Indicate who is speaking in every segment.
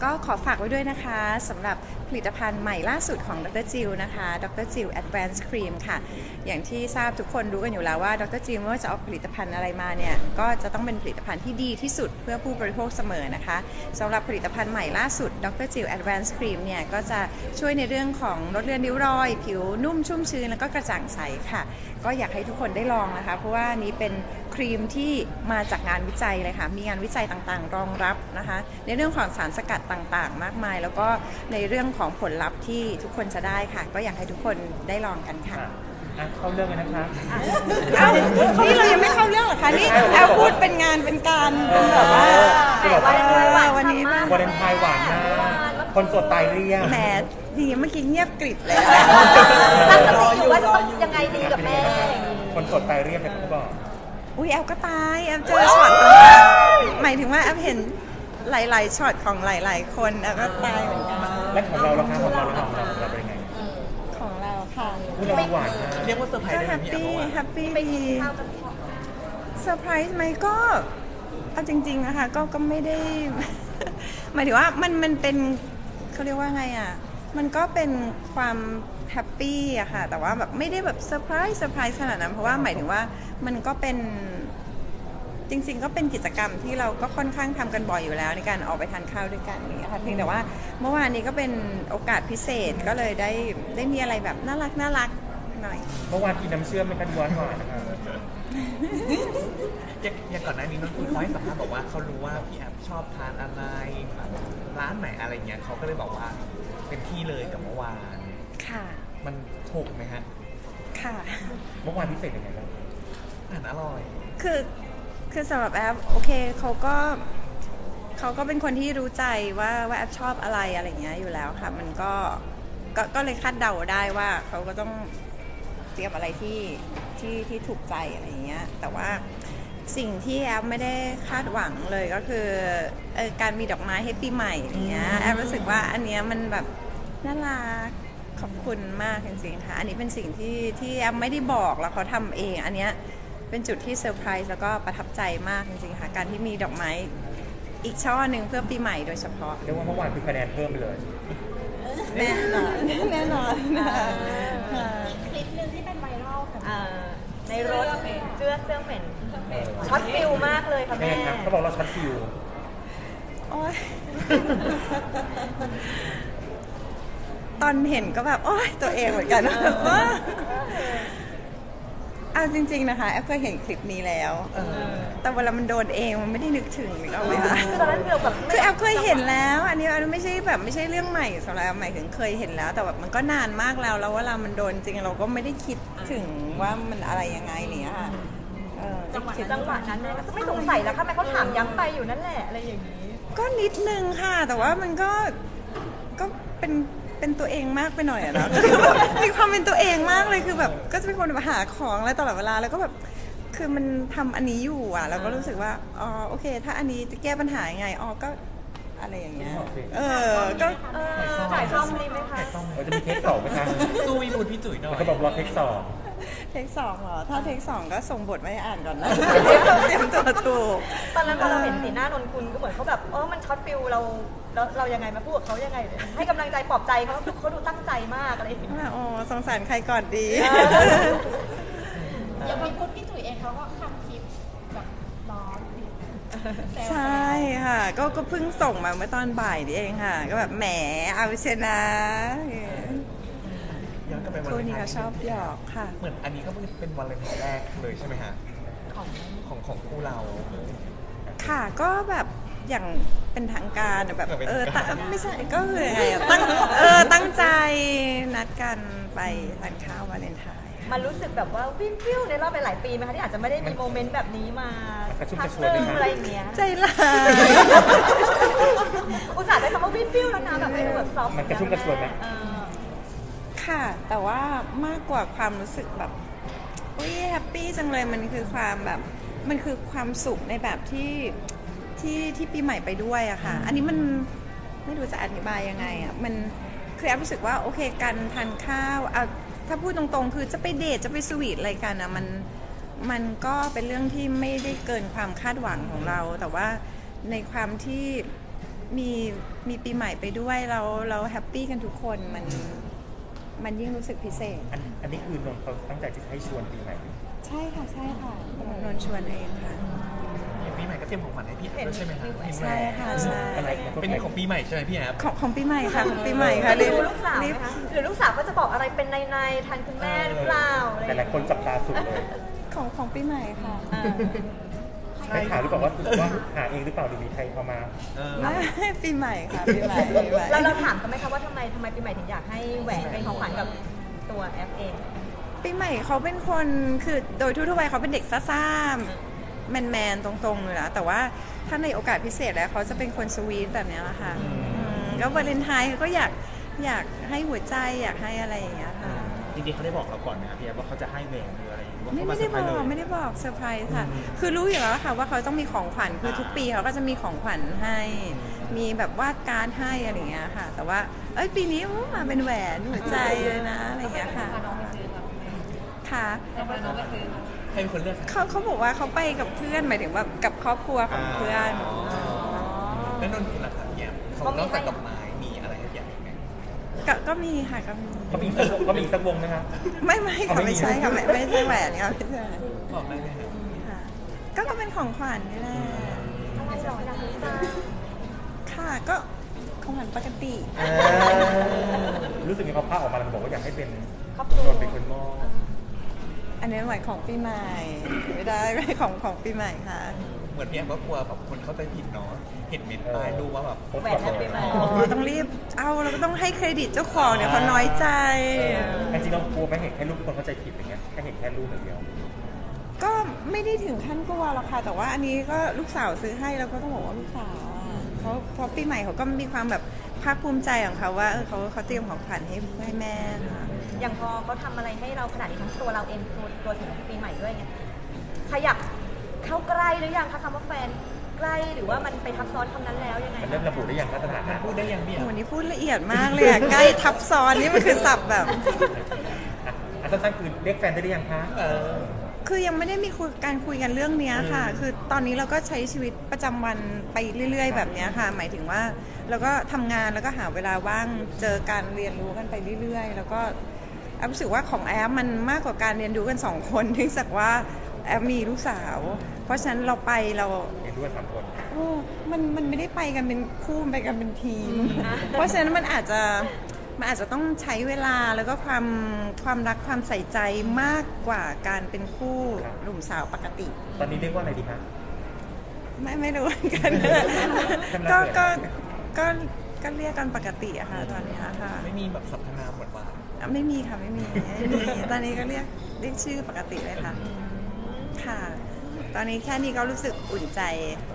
Speaker 1: ก็ขอฝากไว้ด้วยนะคะสำหรับผลิตภัณฑ์ใหม่ล่าสุดของดรจิลนะคะดรจิล Advanced Cream ค่ะอย่างที่ทราบทุกคนรู้กันอยู่แล้วว่าดรจิลไม่ว่าจะออกผลิตภัณฑ์อะไรมาเนี่ยก็จะต้องเป็นผลิตภัณฑ์ที่ดีที่สุดเพื่อผู้บริโภคเสมอนะคะสำหรับผลิตภัณฑ์ใหม่ล่าสุดดรจิล Advanced Cream เนี่ยก็จะช่วยในเรื่องของลดเลือนริ้วรอยผิวนุ่มชุ่มชื้นแล้วก็กระจ่างใสค่ะก็อยากให้ทุกคนได้ลองนะคะเพราะว่านี้เป็นครีมที่มาจากงานวิจัยเลยค่ะมีงานวิจัยต่างๆรองรับนะคะในเรื่องของสารสกัดต่างๆมากมายแล้วก็ในเรื่องของผลลัพธ์ที่ทุกคนจะได้ค่ะก็อยากให้ทุกคนได้ลองกันค่ะ
Speaker 2: เข้าเรื่องกันนะคะ
Speaker 1: นี่เรายังไม่เข้าเรื่องหรอคะนี่แอลพูดเป็นงานเป็นการเป็นแบบว่าวันนี้
Speaker 2: วาเลนไทน์หวานนะคนโสดตายเรียก
Speaker 1: แหมดีเมื่อกี้เงียบกริบเลย
Speaker 3: ตั้งสติอยู่ว่าจะต้องยังไงดีกับแม่
Speaker 2: คนโสดตายเรียกเนี่ยเขาบอก
Speaker 1: อุ้ยแอลก็ตายแอลเจอช็อตหมายถึงว่าแอลเห็นหลายๆช็อตของหลายๆคนแอลก็ตายเหมือนกัน
Speaker 2: และของเราล่ะคะของเราเป็นยังไง
Speaker 1: ของเราค่ะ
Speaker 2: เราหวานเรียกว่าเซอร์ไพรส์ได้ไหมพี่
Speaker 1: แฮปปี้ดีเซอร์ไพรส์ไหมก็เอาจริงๆนะคะก็ไม่ได้หมายถึงว่ามันเป็นเขาเรียกว่าไงอ่ะมันก็เป็นความแฮปปี้อะค่ะแต่ว่าแบบไม่ได้แบบเซอร์ไพรส์ขนาดนั้นเพราะว่าหมายถึงว่ามันก็เป็นจริงๆก็เป็นกิจกรรมที่เราก็ค่อนข้างทำกันบ่อยอยู่แล้วในการออกไปทานข้าวด้วยกันนี่ค่ะเพียงแต่ว่าเมื่อวานนี้ก็เป็นโอกาสพิเศษก็เลยได้มีอะไรแบบน่ารักหน่อย
Speaker 2: เมื่อวานกินน้ำเชื่อมไม่กันหวานนะคะ
Speaker 4: อย่างก่อนหน้านี้น้องคุณเขาให้สัมภาษณ์บอกว่าเขารู้ว่าพี่แอฟชอบทานอะไรร้านไหนอะไรเงี้ยเขาก็เลยบอกว่าเป็นที่เลยกับเมื่อวาน
Speaker 1: ค่ะ
Speaker 4: มันถูกไหมฮะ
Speaker 1: ค่ะ
Speaker 2: เมื่อวานพิเศษยังไงบ้าง
Speaker 4: อาหารอร่อย
Speaker 1: คือสำหรับแอฟโอเคเขาก็เป็นคนที่รู้ใจว่าแอฟชอบอะไรเงี้ยอยู่แล้วค่ะมันก็เลยคาดเดาได้ว่าเขาก็ต้องเตรียมอะไรที่ถูกใจอะไรเงี้ยแต่ว่าสิ่งที่แอฟไม่ได้คาดหวังเลยก็คือการมีดอกไม้ให้ปีใหม่อย่างเงี้ยแอฟรู้สึกว่าอันเนี้ยมันแบบน่ารักขอบคุณมากจริงๆค่ะอันนี้เป็นสิ่งที่แอฟไม่ได้บอกแล้วเขาทำเองอันเนี้ยเป็นจุดที่เซอร์ไพรส์แล้วก็ประทับใจมากจริงๆค่ะการที่มีดอกไม้อีกช่อหนึ่งเพื่อปีใหม่โดยเฉพาะ
Speaker 2: เรียกว่าเมื่อวานคือคะแนนเพิ่มไปเลย
Speaker 1: แน่นอน
Speaker 3: คลิปนึงที่เป็นไวรัลค่ะในรถเสื้อเหม็นช็อตฟิลมากเลยค่ะแม่
Speaker 2: เขาบอกเราช็อตฟิล
Speaker 1: โอ๊ยตอนเห็นก็แบบโอ๊ยตัวเองเหมือนกันเอาจริงๆนะคะแอฟเคยเห็นคลิปนี้แล้วแต่เวลามันโดนเองมันไม่ได้นึกถึงหรือเอาไหมคะคือแอฟเคยเห็นแล้วอันนี้ไม่ใช่เรื่องใหม่สำหรับหมายถึงเคยเห็นแล้วแต่แบบมันก็นานมากแล้วเวลามันโดนจริงเราก็ไม่ได้คิดถึงว่ามันอะไรยังไงเนี่ยค่ะ
Speaker 3: จังหวะนั้นเนี่ยก็ไม่สงสัยแล้วค่ะแม่เขาถามย้ำไปอยู่นั่นแหละอะไรอย่างนี้
Speaker 1: ก็นิดนึงค่ะแต่ว่ามันก็เป็นตัวเองมากไปหน่อยอะนะมีความเป็นตัวเองมากเลยคือแบบก็จะเป็นคนมาหาของอะไรตลอดเวลาแล้วก็แบบคือมันทำอันนี้อยู่อ่ะเราก็รู้สึกว่าอ๋อโอเคถ้าอันนี้จะแก้ปัญหายังไงอ๋อก็อะไรอย่างเงี้ยก็
Speaker 3: ถ่ายซ่อมดีไหมคะ
Speaker 2: จะมีเทค2ไหมคะ
Speaker 4: สู้วีมูดพี่จุ๋ยหน่อย
Speaker 2: เขาบอกรอเทค2
Speaker 1: เหรอถ้าเทค2ก็ส่งบทมาให้อ่านก่อนนะเตรียมตัวถูก
Speaker 3: ตอนนั้นพอเราเห็นสีหน้านนคุณก็เหมือนเขาแบบมันช็อตฟิลเรายังไงมาพูดกับเขายังไงให้กำลังใจปลอบใจเขาดูตั้งใจมากอะไรอย่างเงี้ย
Speaker 1: โอ้สงสารใครก่อนดี
Speaker 3: อย่างพี่พุทธพี่จุ๋ยเองเขาก็ทำคลิปแบบร้อน
Speaker 1: ใช่ค่ะก็เพิ่งส่งมาเมื่อตอนบ่ายนี่เองค่ะก็แบบแหมเอาชนะคู่นี้เขาชอบหยอกค่ะ
Speaker 4: เหมือนอันนี้ก็เป็นวันเลนไทน์แรกเลยใช่ไหมฮะของคู่เรา
Speaker 1: ค่ะก็แบบอย่างเป็นทางการแบบไม่ใช่ก็คือไงตั้งใจนัดกันไปทานข้าววาเลนไทน์
Speaker 3: มันรู้สึกแบบว่าวิวในรอบหลายปีไหมคะที่อาจจะไม่ได้มีโมเมนต์แบบนี้มาพักเรื่องอะไรอย่างเงี้ย
Speaker 1: ใจร้าย
Speaker 3: อุตส่าห์ได้คำว่าวิวแล้วนะแบบไม่ดูแบบซอฟต์
Speaker 2: มันกระชุ่มกระชวยไหม
Speaker 1: ค่ะแต่ว่ามากกว่าความรู้สึกแบบอุ้ยแฮปปี้จังเลยมันคือความแบบมันคือความสุขในแบบที่ปีใหม่ไปด้วยอะค่ะอันนี้มันไม่รู้จะอธิบายยังไงอะมันคือแอฟรู้สึกว่าโอเคการทานข้าวถ้าพูดตรงๆคือจะไปเดทจะไปสวีทอะไรกันอะมันก็เป็นเรื่องที่ไม่ได้เกินความคาดหวังของเราแต่ว่าในความที่มีปีใหม่ไปด้วยเราแฮปปี้กันทุกคนมันยิ่งรู้สึกพิเศษ
Speaker 2: อันนี้คือนนท์เขาตั้งใจจะให้ชวนปีใหม่
Speaker 1: ใช่ค่ะนนท์ชวนเองค่ะ
Speaker 4: อย่างปีใหม่ก็เตรียมของขวัญให้พี่แอฟด้วยใช่ไหมคะ
Speaker 1: ใช่ค่ะใช่
Speaker 2: อะไร
Speaker 4: เป็นของปีใหม่ใช่ไหมพี่แอฟ
Speaker 1: ของปีใหม่ค่ะของปีใหม่ค่ะ
Speaker 3: ดูลูกสาวไหมคะหรือลูกสาวก็จะบอกอะไรเป็นในๆทันคุณแม่หรือเปล่าอะไรอ
Speaker 2: แต่
Speaker 3: ย่าง
Speaker 2: ห
Speaker 3: เงี้
Speaker 2: ลาย ยคนจับตาสุดเลย
Speaker 1: ของปีใหม่ค่ะ
Speaker 2: ใช่ข่าวหรือเปล่าว่าหาเองหรือเปล่าหรือมีใครเอามา
Speaker 1: ไม่ปีใหม่ค่ะปีใหม่
Speaker 3: แล้วเราถามกันไหมคะว่าทำไมปีใหม่ถึงอยากให้แหวนเป็นของขวัญกับตัวแอฟเอง
Speaker 1: ปีใหม่เขาเป็นคนคือโดยทั่วๆไปเขาเป็นเด็กซ่าๆแมนๆตรงๆเลยนะแต่ว่าถ้าในโอกาสพิเศษแล้วเขาจะเป็นคนสวีทแบบนี้แหละค่ะแล้ววาเลนไทน์เขาก็อยากให้หัวใจอยากให้อะไรอย่างเงี้ยค่ะ
Speaker 5: จริงๆเขาได้บอกเราก่อนไหมครับพี่แอฟว่าเขาจะให้แหวนหรืออะไรหรือว่า
Speaker 1: ไม่
Speaker 5: เขามาเซอ
Speaker 1: ได้
Speaker 5: ร์ไพ
Speaker 1: บ
Speaker 5: รส์
Speaker 1: อก
Speaker 5: เลย
Speaker 1: ไม่ได้บอกเซอร์ไพรส์ค่ะ คือรู้อยู่แล้วค่ะว่าเขาต้องมีของขวัญคือทุกปีเขาก็จะมีของขวัญให้มีแบบวาดการ์ดให้อะไรอย่างเงี้ยค่ะ แต่ว่าปีนี้มาเป็นแหวนหัวใจเลยนะอะไรอย่างเงี้ยค่ะค่ะ
Speaker 4: ให้เป็นคนเลือกค่ะ
Speaker 1: เขาบอกว่าเขาไปกับเพื่อนหมายถึงว่ากับครอบครัวของเพื่อน
Speaker 4: แล้วนนท์คุณล่ะครับพี่แอฟของนอกจากดอกไม้มีอะไรให้พี่แอฟอีกไหม
Speaker 1: ก็มีค่ะก็มี
Speaker 2: เขามีอีกสักวงนะครับ
Speaker 1: ไม่ค่ะไม่ใช่ค่ะไม่ใช่แหวนค่ะไม่ใช่
Speaker 4: บอกได้ไหมครับ
Speaker 1: ค่ะก็เป็นของขวัญนี่แหละ
Speaker 3: อะไรหรออยากรู้จัง
Speaker 1: ค่ะก็ของขวัญปกติ
Speaker 2: รู้สึกมีเขาภาพออกมาแล้วบอกว่าอยากให้เป็น
Speaker 3: ครอบครัวน
Speaker 2: นท์เป็นคนมอบ
Speaker 1: อันนี้หมายของปีใหม่ไม่ได้ไม่ของปีใหม่ค่ะ
Speaker 4: เหมือนพี่แอฟก็กลัวแบบคนเข้าใจผิดเนาะเห็นเมนต์ป้ายดูว่าแบบ
Speaker 3: แหวนแอฟปีใหม่
Speaker 1: อ๋อต้องรีบเราก็ต้องให้เครดิตเจ้าของเดี๋ยวเขาน้อยใจ
Speaker 2: จริงๆเรากลัวไหมเห็นแค่รูปคนเข้าใจผิดอย่างเงี้ยแค่เห็นแค่รูปอย่างเดียว
Speaker 1: ก็ไม่ได้ถึงขั้นกลัวหรอกค่ะแต่ว่าอันนี้ก็ลูกสาวซื้อให้แล้วก็ต้องบอกว่าลูกสาวเขาปีใหม่เขาก็มีความแบบภาคภูมิใจของเขาว่าเขาเตรียมของขวัญให้แม่ค่ะ
Speaker 3: อย่างพอเขาทำอะไรให้เราขนาดนี้ทั้งตัวเราเองตัวถึงปีใหม่ด้วยไงขยับเข้าใกล้หรือยังคะคำว่าแฟนใกล้หรือว่ามันไปทับซ้อนคำนั้นแล้วยังไง
Speaker 2: มันเริ่มระบุได้อย่างมาตรฐาน
Speaker 4: มันพูดได้ยังพี่แอฟ
Speaker 1: วันนี้พูดละเอียดมากเลยอะใกล้ทับซ้อนนี่มันคือศัพท์แบบ
Speaker 2: สั้นๆคือเรียกแฟนได้หรือยังคะ
Speaker 1: คือยังไม่ได้มีการคุยกันเรื่องเนี้ยค่ะ คือตอนนี้เราก็ใช้ชีวิตประจำวันไปเรื่อยๆแบบเนี้ยค่ะ หมายถึงว่าเราก็ทำงานแล้วก็หาเวลาว่างเจอการเรียนรู้กันไปเรื่อยๆ แล้วก็แอฟรู้สึกว่าของแอฟมันมากกว่าการเรียนรู้กันสองคนเนื่องจากว่าแอฟมีลูกสาว เพราะฉะนั้นเราไปเรา
Speaker 2: เห็นด้วย3 คน
Speaker 1: มันไม่ได้ไปกันเป็นคู่ไปกันเป็นทีม เพราะฉะนั้นมันอาจจะต้องใช้เวลาแล้วก็ความรักความใส่ใจมากกว่าการเป็นคู่หนุ่มสาวปกติ
Speaker 2: ตอนนี้เรียกว่าอะไรดีคะ
Speaker 1: ไม่รู้เหมือนกัน ก็เรียกกันปกติอะค่ะตอนนี้ค่ะ
Speaker 4: ไม่มีแบบสรรพนามหวาน
Speaker 1: ไม่มีค่ะไม่มีตอนนี้ก็เรียกชื่อปกติเลยค่ะ ค่ะ ตอนนี้แค่นี้ก็รู้สึกอุ่นใจ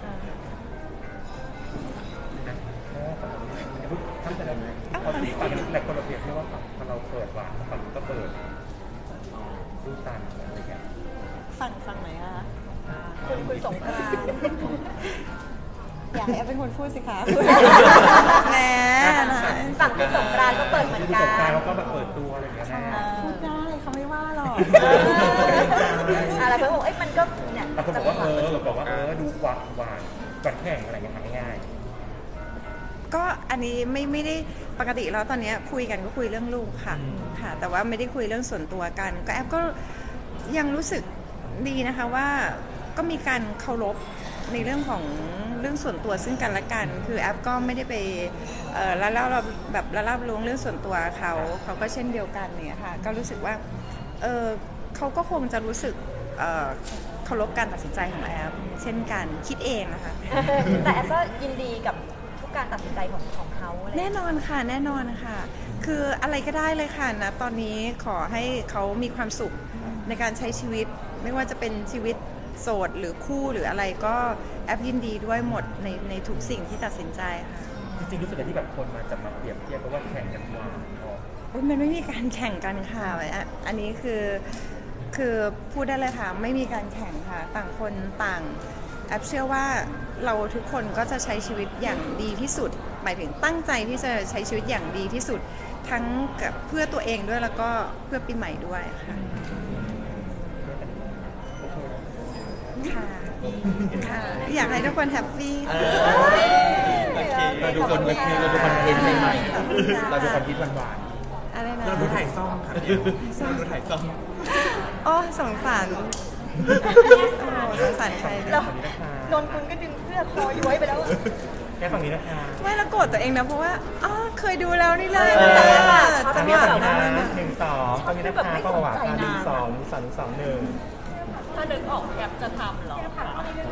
Speaker 2: ทั้งแต่ละเขาฝั่งหลายคนเราเปรียบเทียบว่าฝั่งเราเปิดหวานฝั่งก็เปิดสู้ตันอะไรเงี้ย
Speaker 1: ฝั่งไหนอะคะ
Speaker 3: คุณสงกรานต์
Speaker 1: อยากให้แอฟเป็นคนพูดสิคะแหม
Speaker 3: ฝั่งคุณสงกรานต์ก็เปิดเหมือน
Speaker 2: ผู้
Speaker 3: กั
Speaker 2: สงการ
Speaker 3: น
Speaker 2: เราก็แบบเปิดตัวอะไรเงี้ยแม่
Speaker 1: พูดได้เขาไม่ว่าหรอก
Speaker 3: อะไรเพื่อนบอกมันก็เนี่ย
Speaker 2: บางคนบอกว่าดูหวานก่อนแข่งอะไรเงี้ยทำง่าย
Speaker 1: ก็อันนี้ไม่ได้ปกติแล้วตอนนี้คุยกันก็คุยเรื่องลูกค่ะค่ะ แต่ว่าไม่ได้คุยเรื่องส่วนตัวกัน ก็แอฟก็ยังรู้สึกดีนะคะว่าก็มีการเคารพในเรื่องของเรื่องส่วนตัวซึ่งกันและกัน คือแอฟก็ไม่ได้ไปละเล่าแบบละลาบล้วงเรื่องส่วนตัวเขาก็เช่นเดียวกันเนี่ยค่ะก็รู้สึกว่าเขาก็คงจะรู้สึกเคารพการตัดสินใจของแอฟเช่นกันคิดเองนะคะ
Speaker 3: แต่แอฟก็ยินดีกับทุกการตัดสินใจของเขาอะไร
Speaker 1: แน่นอนค่ะแน่นอนค่ะคืออะไรก็ได้เลยค่ะนะตอนนี้ขอให้เขามีความสุขในการใช้ชีวิตไม่ว่าจะเป็นชีวิตโสดหรือคู่หรืออะไรก็แอปยินดีด้วยหมดในทุกสิ่งที่ตัดสินใจค่ะ
Speaker 2: ๆจริงๆรู้สึกที่แบบคนมาจับมาเปรียบเทียบเพราะว่าแข่งกันหวานพอ
Speaker 1: อุ๊ยมันไม่มีการแข่งกันค่ะอันนี้คือพูดได้เลยค่ะไม่มีการแข่งค่ะต่างคนต่างแอปเชื่อว่าเราทุกคนก็จะใช้ชีวิตอย่างดีที่สุดหมายถึงตั้งใจที่จะใช้ชีวิตอย่างดีที่สุดทั้งกับเพื่อตัวเองด้วยแล้วก็เพื่อปีใหม่ด้วยค่ะค่ะอยากให้ทุกคนแฮปปี้ค่ะ
Speaker 4: โอเค
Speaker 5: เราดูคอนเทนต์เราดูคอนเทนต์ใหม่ๆเราดูคอนเทนต์หวาน
Speaker 1: อะไรนะ
Speaker 4: เราดูถ่ายซ่อมค่ะพี่เราดูถ่ายซ่อม
Speaker 1: โอ้สงสารสงสารใคร
Speaker 3: เรานนกุลก็ดึงเสื้อคอย้วยไปแล้วอะ
Speaker 2: แค่ฝั่งนี้นะคะ
Speaker 1: ไม่ละโกรธตัวเองนะเพราะว่าอ๋อเคยดูแล้วนี่เลย
Speaker 2: ฝั่งนี้ฝั่งนี้นะ1 2ฝั่งนี้นะคะก็หวาน1 2 1 2 1
Speaker 3: ถ้านึกออกแอปจะทำเหรอ